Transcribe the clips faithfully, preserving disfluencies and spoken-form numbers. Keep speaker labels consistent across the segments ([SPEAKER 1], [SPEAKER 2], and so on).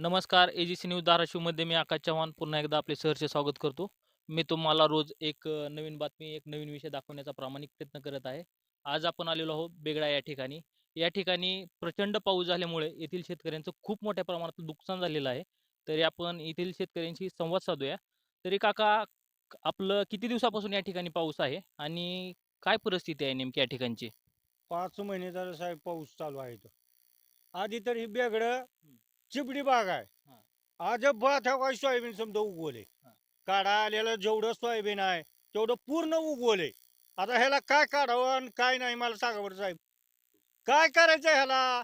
[SPEAKER 1] नमस्कार. AGC news धाराशिवमध्ये मी आकाश चव्हाण पुन्हा एकदा आपले सहर्ष स्वागत करतो. मी तुम्हाला रोज एक अ, नवीन बातमी, एक नवीन विषय दाखवण्याचा प्रामाणिक प्रयत्न करत आहे. आज आपण आलेलो आहोत बेगडा या ठिकाणी. या ठिकाणी प्रचंड पाऊस झाल्यामुळे येथील शेतकऱ्यांचं खूप मोठ्या प्रमाणात नुकसान झालेलं आहे. तरी आपण येथील शेतकऱ्यांशी संवाद साधूया. तरी काका, क- आपलं किती दिवसापासून या ठिकाणी पाऊस आहे आणि काय परिस्थिती आहे नेमकी या ठिकाणची?
[SPEAKER 2] पाच महिने झालं साहेब पाऊस चालू आहे इथं. आधी तर ही बेगडं चिबडी बाग आहे.
[SPEAKER 1] हा.
[SPEAKER 2] आज बात हा काय सोयाबीन समजा उगवले.
[SPEAKER 1] हा.
[SPEAKER 2] काढा आलेलं जेवढं सोयाबीन आहे तेवढं पूर्ण उगवले. आता ह्याला काय काढावं आणि काय नाही मला सांगा बरं साहेब. काय करायचं ह्याला?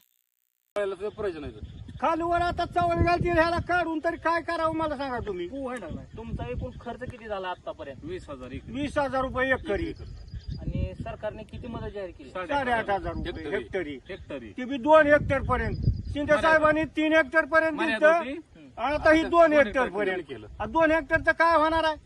[SPEAKER 2] खालूवर आता चवळ घालतील ह्याला काढून तरी काय करावं मला सांगा तुम्ही.
[SPEAKER 1] तुमचा एकूण खर्च किती झाला आतापर्यंत?
[SPEAKER 3] वीस हजार एक
[SPEAKER 2] वीस हजार रुपये एकरी,
[SPEAKER 1] आणि सरकारने किती मदत जाहीर केली?
[SPEAKER 2] साडेआठ हजार रुपये हेक्टरी,
[SPEAKER 3] हेक्टरी
[SPEAKER 2] ती बी दोन हेक्टर पर्यंत. शिंदे साहेबांनी तीन हेक्टर पर्यंत
[SPEAKER 3] मर्यादा
[SPEAKER 2] दिलं.
[SPEAKER 3] होती.
[SPEAKER 2] आता ही
[SPEAKER 3] आता
[SPEAKER 2] दोन
[SPEAKER 3] दोन
[SPEAKER 2] हेक्टर
[SPEAKER 3] हेक्टर
[SPEAKER 2] पर्यंत
[SPEAKER 3] केलं.
[SPEAKER 2] आ, दोन हेक्टरचं काय होणार आहे?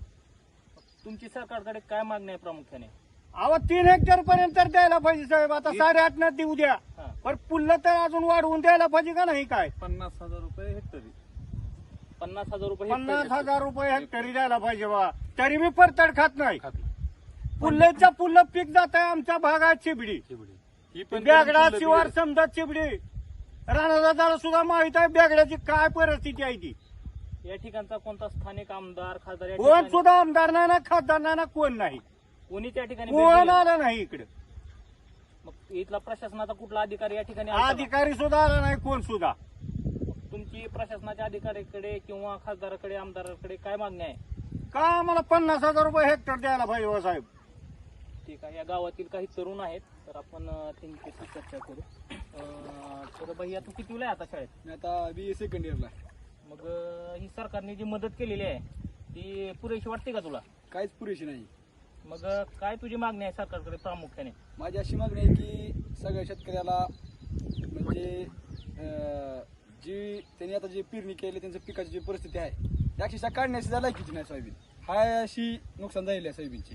[SPEAKER 1] तुमची सरकारकडे काय मागणी आहे प्रामुख्याने?
[SPEAKER 2] अहो तीन हेक्टर पर्यंत तर द्यायला पाहिजे साहेब. आता साडेआठ न देऊ द्या,
[SPEAKER 1] हा.
[SPEAKER 2] पण पुल्ल तर अजून वाढवून द्यायला पाहिजे का नाही? काय
[SPEAKER 3] पन्नास हजार रुपये हेक्टरी
[SPEAKER 1] पन्नास हजार रुपये
[SPEAKER 2] पन्नास
[SPEAKER 1] हेक्टरी.
[SPEAKER 2] हजार रुपये हेक्टरी द्यायला पाहिजे बा. तरी मी परतड खात नाही.
[SPEAKER 3] खाती
[SPEAKER 2] पुल्लेच्या पुल्ल पीक जात आहे आमच्या भागात चिबडी,
[SPEAKER 3] चिबडी ही पण
[SPEAKER 2] बेगडा
[SPEAKER 3] करून
[SPEAKER 2] शिवार
[SPEAKER 3] फुलं
[SPEAKER 2] समजा चिबडी. राणादादाला सुद्धा माहित आहे बेगड्याची काय परिस्थिती आहे ती.
[SPEAKER 1] या ठिकाणचा कोणता स्थानिक आमदार खासदार या
[SPEAKER 2] कोण
[SPEAKER 1] ठिकाणी-
[SPEAKER 2] सुद्धा आमदार नाही ना खासदार नाही ना कोण नाही.
[SPEAKER 1] कोणी त्या ठिकाणी भेट
[SPEAKER 2] कोण
[SPEAKER 1] दिली?
[SPEAKER 2] आलं नाही इकडे.
[SPEAKER 1] मग इथला प्रशासनाचा कुठला अधिकारी या ठिकाणी आला का?
[SPEAKER 2] अधिकारी सुद्धा आला नाही कोण सुद्धा.
[SPEAKER 1] तुमची प्रशासनाच्या अधिकाऱ्याकडे किंवा खासदाराकडे आमदाराकडे काय मागणी आहे?
[SPEAKER 2] का आम्हाला पन्नास हजार रुपये हेक्टर द्यायला पाहिजे हो साहेब.
[SPEAKER 1] ठीक आहे. या गावातील काही तरुण आहेत, तर आपण अं, त्यांच्याशी चर्चा करू. अं, तर भैया, तू कितीला आहे आता शाळेत?
[SPEAKER 3] मी आता बी सेकंड इयरला
[SPEAKER 1] मग अं, ही सरकारने जी मदत केलेली आहे ती पुरेशी वाटते का तुला?
[SPEAKER 3] काहीच पुरेशी नाही.
[SPEAKER 1] मग अं, काय तुझी मागणी आहे सरकारकडे प्रामुख्याने?
[SPEAKER 3] माझी अशी मागणी आहे की सगळ्या शेतकऱ्याला म्हणजे अं, जी त्यांनी आता जी पेरणी केली त्यांच्या पिकाची जी परिस्थिती आहे ती अक्षरशः काढण्याची सुद्धा लायकीची नाही सोयाबीन. हाय अशी नुकसान झालेली आहे सोयाबीनची.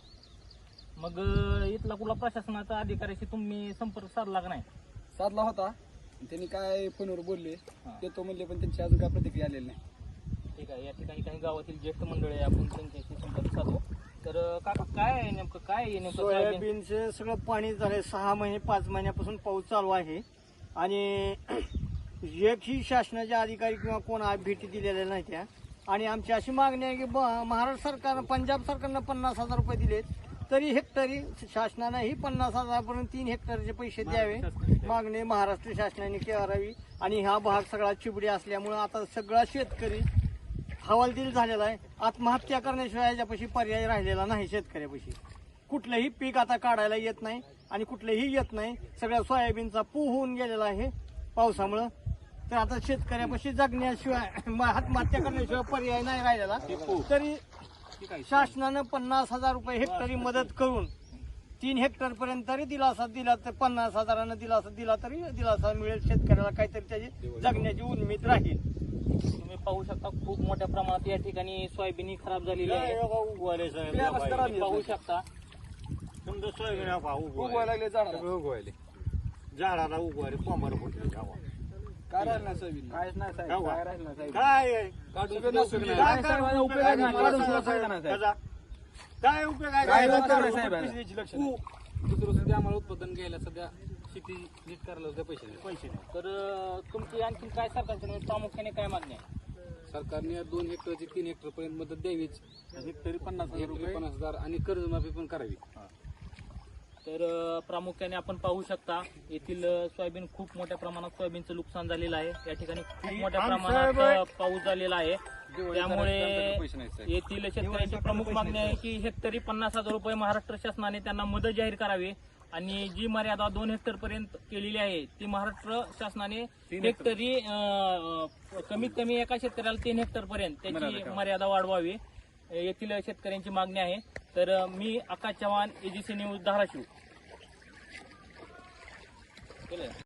[SPEAKER 1] मग अं, इथला कुठला प्रशासनाचा अधिकाऱ्याशी तुम्ही संपर्क साधला का नाही?
[SPEAKER 3] साधला होता त्यांनी काय फोनवर बोलले
[SPEAKER 1] हा.
[SPEAKER 3] देतो म्हणले पण त्यांची अजून काय प्रतिक्रिया आलेली नाही.
[SPEAKER 1] ठीक आहे. या ठिकाणी काही गावातील ज्येष्ठ मंडळी आहे, आपण त्यांच्याशी संपर्क साधू. तर अं, काका, काय आहे नेमकं, काय आहे नेमकं सोयाबीन?
[SPEAKER 2] सोयाबीनचे सगळं पाणी झालंय. सहा महिने पाच महिन्यापासून पाऊस चालू आहे आणि एकही शासनाचे अधिकारी किंवा कोण आ- भेटी दिलेल्या नाही त्या. आणि आमची अशी मागणी आहे की ब- महाराष्ट्र सरकारनं, पंजाब सरकारनं पन्नास हजार रुपये दिलेत, तरी हेक्टरी शासनानं ही पन्नास हजारपर्यंत तीन हेक्टरचे पैसे द्यावे मागणी महाराष्ट्र शासनाने करावी. आणि हा भाग सगळा चिबडी असल्यामुळं आता सगळा शेतकरी हवालदिल झालेला आहे. आत्महत्या करण्याशिवाय याच्यापाशी पर्याय राहिलेला नाही शेतकऱ्यापाशी. कुठलंही पीक आता काढायला येत नाही आणि कुठलंही येत नाही. सगळ्या सोयाबीनचा पू होऊन गेलेला आहे पावसामुळं. तर आता शेतकऱ्यापाशी जगण्याशिवाय आत्महत्या करण्याशिवाय पर्याय नाही राहिलेला. तरी शासनानं पन्नास हजार रुपये हेक्टरी मदत करून तीन हेक्टर पर्यंत तरी दिलासा दिला तर पन्नास हजारानं दिलासा दिला तरी दिलासा मिळेल शेतकऱ्याला. काहीतरी त्याची जगण्याची उन्मीद राहील.
[SPEAKER 1] तुम्ही पाहू शकता खूप मोठ्या प्रमाणात या ठिकाणी सोयाबीन ही खराब झालेली आहे.
[SPEAKER 2] उगवायले
[SPEAKER 1] तुम्ही
[SPEAKER 2] साहेब,
[SPEAKER 1] पाहू शकता.
[SPEAKER 2] समजा सोयाबीन हा पहा,
[SPEAKER 3] उगवायला
[SPEAKER 2] उगवायले.
[SPEAKER 3] लागले झाडाला उगवायले
[SPEAKER 2] झाडाला उगवायले कोंबार फुटले गावात.
[SPEAKER 3] काय राहिलं नाही सोयाबीन. काहीच नाही साहेब.
[SPEAKER 2] गावात.
[SPEAKER 3] काय राहिलं नाही साहेब.
[SPEAKER 2] काय आहे?
[SPEAKER 3] काढून सुद्धा उपयोग नाही.
[SPEAKER 2] काय
[SPEAKER 3] काय
[SPEAKER 2] काय
[SPEAKER 3] साहेब,
[SPEAKER 2] उपयोग
[SPEAKER 3] उपयोग
[SPEAKER 2] आहे?
[SPEAKER 3] नाही. काढून सुद्धा फायदा नाही साहेब.
[SPEAKER 2] कसा? काय उपयोग आहे?
[SPEAKER 3] काय
[SPEAKER 2] काय
[SPEAKER 3] उपयोग नाही
[SPEAKER 2] उपयोग
[SPEAKER 3] साहेब.
[SPEAKER 2] आहे? पैशाची लक्ष
[SPEAKER 3] ऊ.
[SPEAKER 2] नाही.
[SPEAKER 3] दुसरं सध्या आम्हाला उत्पादन घ्यायला सध्या शेती नीट करायला सुद्धा पैसे नाही.
[SPEAKER 2] पैसे नाही.
[SPEAKER 1] तर अं, तुमची आणखी काय सरकारकडे प्रामुख्याने काय मागणी आहे?
[SPEAKER 3] सरकारने दोन हेक्टरची तीन हेक्टर पर्यंत मदत द्यावीच. हेक्टरी पन्नास हजार रुपये पन्नास हजार आणि कर्जमाफी पण करावी.
[SPEAKER 1] तर अं, प्रामुख्याने आपण पाहू शकता येथील अं, सोयाबीन खूप मोठ्या प्रमाणात सोयाबीनचं नुकसान झालेलं आहे. या ठिकाणी खूप मोठ्या
[SPEAKER 2] आमचं
[SPEAKER 1] प्रमाणात
[SPEAKER 2] बाई-
[SPEAKER 1] अं, पाऊस झालेला आहे. त्यामुळे
[SPEAKER 3] पैसे नाहीत साहेब.
[SPEAKER 1] येथील शेतकऱ्यांची प्रमुख मागणी आहे की हेक्टरी पन्नास हजार रुपये महाराष्ट्र शासनाने त्यांना मदत जाहीर करावी. आणि जी मर्यादा दोन हेक्टर पर्यंत केलेली आहे ती महाराष्ट्र शासनाने
[SPEAKER 3] तीन
[SPEAKER 1] हेक्टरी अं, कमीत कमी एका शेतकऱ्याला तीन हेक्टर पर्यंत त्याची
[SPEAKER 3] मर्यादा
[SPEAKER 1] मर्यादा वाढवावी येथील शेतकऱ्यांची मागणी आहे. तर अं, मी आकाश चव्हाण, एजीसी न्यूज धाराशिव. केलं.